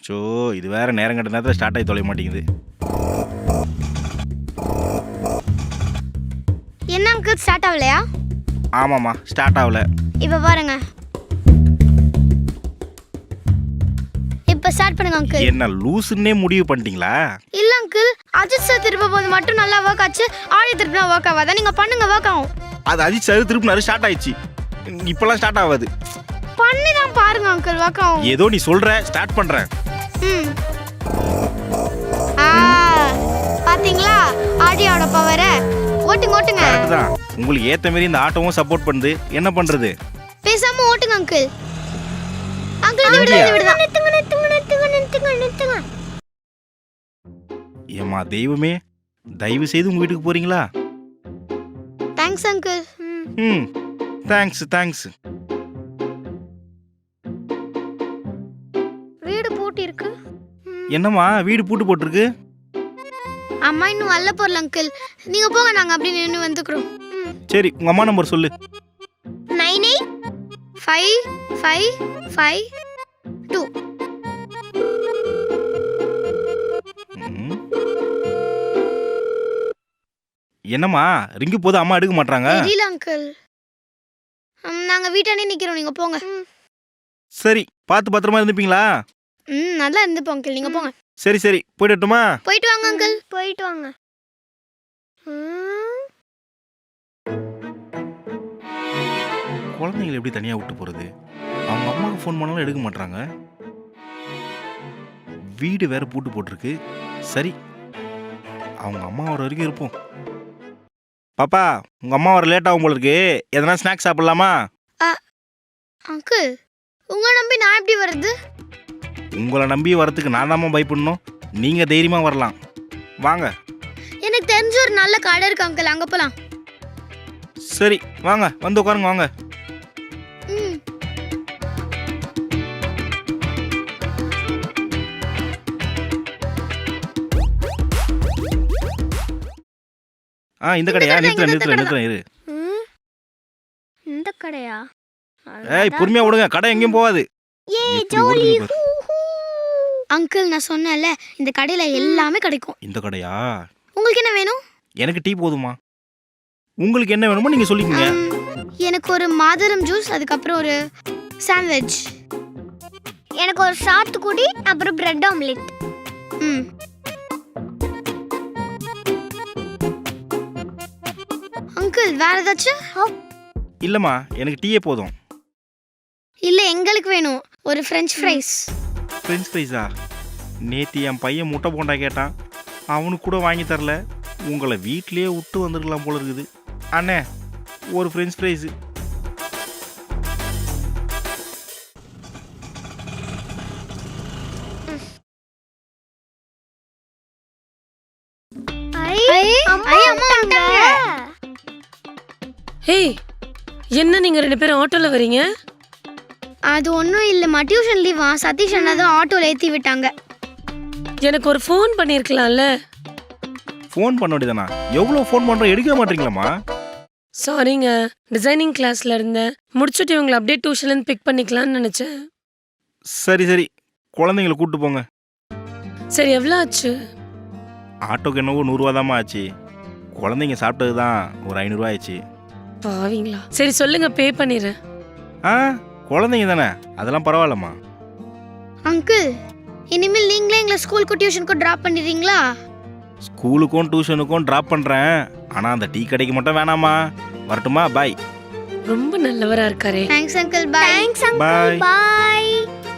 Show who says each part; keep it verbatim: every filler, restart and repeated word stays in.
Speaker 1: Show இது வேற நேரம் கட்ட நேரத்தில் ஸ்டார்ட் ஆகி தொலைய மாட்டேங்குது.
Speaker 2: என்ன அங்கிள் ஸ்டார்ட் ஆகலையா?
Speaker 1: ஆமாம்மா ஸ்டார்ட் ஆகல.
Speaker 2: இப்போ பாருங்க, இப்போ ஸ்டார்ட் பண்ணுங்க அங்கிள்.
Speaker 1: என்ன லூசுன்னே முடிவு பண்ணிட்டீங்களா?
Speaker 2: இல்ல அங்கிள், அஜித் சார் திருப்ப போது மட்டும் நல்லா ஒர்க் ஆச்சு, ஆடி திருப்பினா ஒர்க் ஆகாதா? நீங்க பண்ணுங்க, ஒர்க் ஆகும்.
Speaker 1: அது அஜித் சார் திருப்பினாரு ஸ்டார்ட் ஆயிடுச்சு, இப்பெல்லாம் ஸ்டார்ட் ஆகாது.
Speaker 2: பண்ணி தான் பாருங்க அங்கிள், ஒர்க் ஆகும்.
Speaker 1: ஏதோ நீ சொல்ற, ஸ்டார்ட் பண்றேன்.
Speaker 2: ம் ஆ பாத்தீங்களா ஆடியோட பவர? ஓட்டுங்க ஓட்டுங்க.
Speaker 1: கரெக்ட் தான், உங்களுக்கு ஏத்த மாதிரி இந்த ஆட்டோவும் சப்போர்ட் பண்ணுது. என்ன பண்றது?
Speaker 2: பேசாம ஓட்டுங்க அங்கிள். அங்கிள் விடுங்க விடுங்க. நிறுத்துங்க நிறுத்துங்க நிறுத்துங்க நிறுத்துங்க நிறுத்துங்க.
Speaker 1: ஏமா தெய்வமே, தயவு செய்து உங்க வீட்டுக்கு போறீங்களா?
Speaker 2: Thanks uncle.
Speaker 1: ம் தேங்க்ஸ் தேங்க்ஸ்.
Speaker 2: வீடு பூட்டி இருக்கு.
Speaker 1: என்னம்மா வீடு பூட்டு போட்டிருக்கு?
Speaker 2: அம்மா இன்னும் வரல போறல அங்கிள், நீங்க போங்க, நாங்க அப்படியே நின்று வந்துக்கிறோம்.
Speaker 1: சரி உங்க அம்மா நம்பர் சொல்லு.
Speaker 2: Nine eight five five five two.
Speaker 1: என்னம்மா ரிங்கு போது அம்மா எடுக்க மாட்டாங்க?
Speaker 2: தெரியல அங்கிள், நாங்க வீட்டானே நிக்கிறோம், நீங்க போங்க.
Speaker 1: சரி பார்த்து பத்திரமா இருந்துப்பீங்களா?
Speaker 2: ம் நல்லா இருந்துப்போம் அங்கிள், நீங்க போங்க.
Speaker 1: சரி சரி போயிட்டுமா?
Speaker 2: போயிட்டு வாங்க அங்கிள், போயிட்டு வாங்க.
Speaker 1: குழந்தைங்களை எப்படி தனியா விட்டு போறது? அவங்க அம்மாவுக்கு ஃபோன் பண்ணாலும் எடுக்க மாட்டாங்க. வீடு வேற பூட்டு போட்டிருக்கு. சரி அவங்க அம்மா வர வரைக்கும் இருப்போம். பாப்பா உங்க அம்மா வர லேட் ஆகும் போல இருக்கு, எதனா ஸ்நாக்ஸ் சாப்பிடலாமா?
Speaker 2: அங்கிள் உங்களை நம்பி நான் எப்படி வருது?
Speaker 1: உங்களை நம்பி வரதுக்கு நான் தாம்மா பயப்படணும், நீங்க தைரியமா வரலாம். வாங்க.
Speaker 2: எனக்கு தெரிஞ்ச ஒரு நல்ல கடை இருக்கு அங்கிள், அங்க போலாம்.
Speaker 1: சரி வாங்க, வந்து உட்காருங்க வாங்க.
Speaker 2: ம்
Speaker 1: ஆ இந்த கடையா? நிறுத்துற நிறுத்துற நிறுத்துற இரு.
Speaker 2: இந்த கடையா?
Speaker 1: ஏய் பொறுமையா விடுங்க, கடை எங்கேயும் போகாது.
Speaker 2: ஏ ஜோலி. அங்கிள் நான் சொன்னேன்ல, இந்த கடையில எல்லாமே கிடைக்கும்.
Speaker 1: இந்த கடையா?
Speaker 2: உங்களுக்கு என்ன வேணும்?
Speaker 1: எனக்கு டீ போதுமா. உங்களுக்கு என்ன வேணுமோ நீங்க சொல்லிக்கங்க.
Speaker 2: எனக்கு ஒரு மாதுளம் ஜூஸ், அதுக்கப்புறம் ஒரு சாண்ட்விச். எனக்கு ஒரு சாத்துக்குடி, அப்புறம் பிரெட் ஆம்லெட். ம் அங்கிள் வேற ஏதாச்சும்?
Speaker 1: இல்லம்மா எனக்கு டீயே போதும்.
Speaker 2: இல்ல எங்களுக்கு வேணும் ஒரு ஃப்ரெஞ்ச் ஃப்ரைஸ்.
Speaker 1: ஃப்ரெஞ்ச் ஃப்ரைஸா? நேற்று என் பையன் முட்டை போண்டா கேட்டான், அவனுக்கு கூட வாங்கி தரல. உங்களை வீட்லேயே விட்டு வந்துருக்கலாம் போல இருக்குது. அண்ணே ஒரு ஃப்ரெஞ்ச் ஃப்ரைஸு.
Speaker 3: ஹேய் என்ன நீங்க ரெண்டு பேரும் ஆட்டோல வரீங்க?
Speaker 2: அது ஒன்றும் இல்லைம்மா, டியூஷன் லீவா, சதீஷ் அண்ணா தான் ஆட்டோவில் ஏற்றி விட்டாங்க.
Speaker 3: எனக்கு ஒரு ஃபோன் பண்ணியிருக்கலாம்ல?
Speaker 1: ஃபோன் பண்ண வேண்டியதானா? எவ்வளோ ஃபோன் பண்ணுறோம், எடுக்க மாட்டீங்களாம்மா?
Speaker 3: சாரிங்க, டிசைனிங் கிளாஸில் இருந்தேன், முடிச்சுட்டு இவங்களை அப்படியே டியூஷன்லேருந்து பிக் பண்ணிக்கலாம்னு நினச்சேன்.
Speaker 1: சரி சரி குழந்தைங்கள கூப்பிட்டு போங்க.
Speaker 3: சரி எவ்வளோ ஆச்சு?
Speaker 1: ஆட்டோக்கு என்னவோ நூறுரூவா தாம்மா ஆச்சு. குழந்தைங்க சாப்பிட்டது தான் ஒரு ஐநூறுரூவா ஆச்சு.
Speaker 3: பாவீங்களா? சரி சொல்லுங்க, பே பண்ணிடுறேன்.
Speaker 1: ஆ குழந்தைங்க தானே, அதெல்லாம் பரவாயில்லம்மா.
Speaker 2: அங்கிள் இனிமேல் நீங்களே எங்களை ஸ்கூலுக்கு டியூஷனுக்கு ட்ராப் பண்ணிடுறீங்களா?
Speaker 1: ஸ்கூலுக்கும் டியூஷனுக்கும் ட்ராப் பண்ணுறேன், ஆனால் அந்த டீ கடைக்கு மட்டும் வேணாமா. வரட்டுமா? பாய்.
Speaker 3: ரொம்ப நல்லவரா இருக்காரே.
Speaker 2: Thanks uncle. Bye. Thanks
Speaker 1: bye
Speaker 2: பாய்.